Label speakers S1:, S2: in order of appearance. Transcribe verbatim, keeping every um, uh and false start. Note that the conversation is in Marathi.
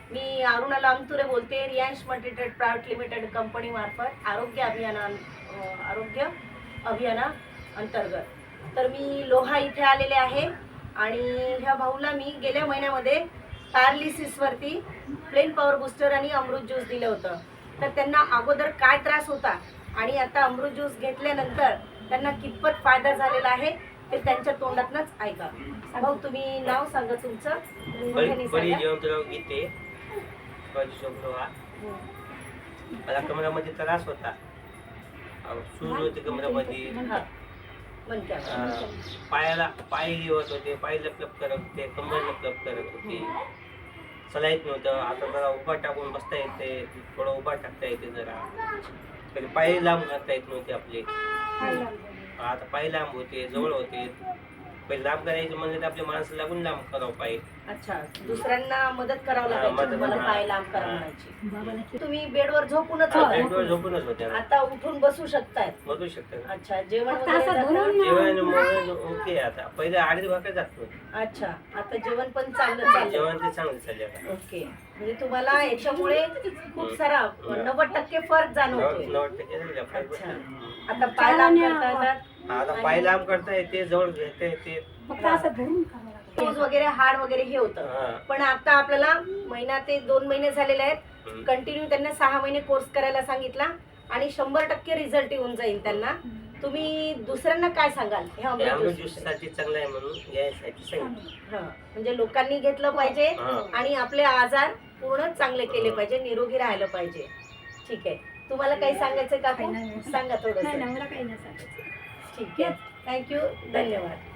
S1: मी अरुणा लामतुरे बोलते, Riyansh multitrade private limited company मार्फत आरोग्य अभियाना आरोग्य अभियाना अंतर्गत। तर मी लोहा इथे आलेले आहे आणि ह्या भाऊला मी गेल्या महिन्यामध्ये पॅरालिसिसवरती प्लेन पॉवर बूस्टर आणि अमृत ज्यूस दिलं होतं। तर त्यांना अगोदर काय त्रास होता आणि आता अमृत ज्यूस घेतल्यानंतर त्यांना कितपत फायदा झालेला आहे ते त्यांच्या तोंडातनंच ऐका। भाऊ तुम्ही नाव सांगा तुमचं, मोठ्याने सांगा।
S2: जयवंतराव गीते, लोहा। मला कमरामध्ये त्रास होता, सूज होते कमरामध्ये, पायाला पाय घेत होते, पाय लपलप करत होते, कंबर लपलप करत होते, चला येत नव्हतं। आता जरा उभा टाकून बसता येते, थोडं उभा टाकता येते, जरा कधी पाय लांब करता येत नव्हते आपले, आता पाय लांब होते, जवळ होते। पहिले लांब करायचे म्हणजे आपले माणसं लागून लांब करावं पाय।
S1: अच्छा, दुसऱ्यांना मदत करावं लागायची तुम्हाला पाय लांब करायची। तुम्ही बेडवर झोपूनच होता?
S2: बेडवर झोपूनच होते,
S1: आता उठून बसू शकताय?
S2: बसू शकता।
S1: अच्छा, जेवण वगैरे
S2: जेवण ओके, आता पहिले आडीच भाकर जात नव्हते।
S1: अच्छा, आता जेवण पण चांगलं चाललं?
S2: जेवण ते चांगलं चाललं।
S1: ओके, म्हणजे तुम्हाला याच्यामुळे खूप सारा नव्वद टक्के फरक जाणवतोय?
S2: नव्वद टक्के।
S1: अच्छा, आता पाय लांब करता येतात?
S2: आता पाय लांब करता येते, जवळ घेता येते,
S1: सूज वगैरे हाड वगैरे हे होतं, पण आता आपल्याला महिना ते दोन महिने झालेले आहेत, कंटिन्यू त्यांना सहा महिने कोर्स करायला सांगितला आणि शंभर टक्के रिझल्ट येऊन जाईल त्यांना। तुम्ही दुसऱ्यांना काय सांगाल हे अमृत
S2: ज्यूससाठी चांगलं आहे म्हणून घ्यायसाठी सांगितलं?
S1: म्हणजे लोकांनी घेतलं पाहिजे आणि आपले आजार पूर्ण चांगले केले पाहिजे, निरोगी राहायला पाहिजे। ठीक आहे, तुम्हाला काही सांगायचं का? सांगा थोडं। ठीक आहे, थँक्यू, धन्यवाद।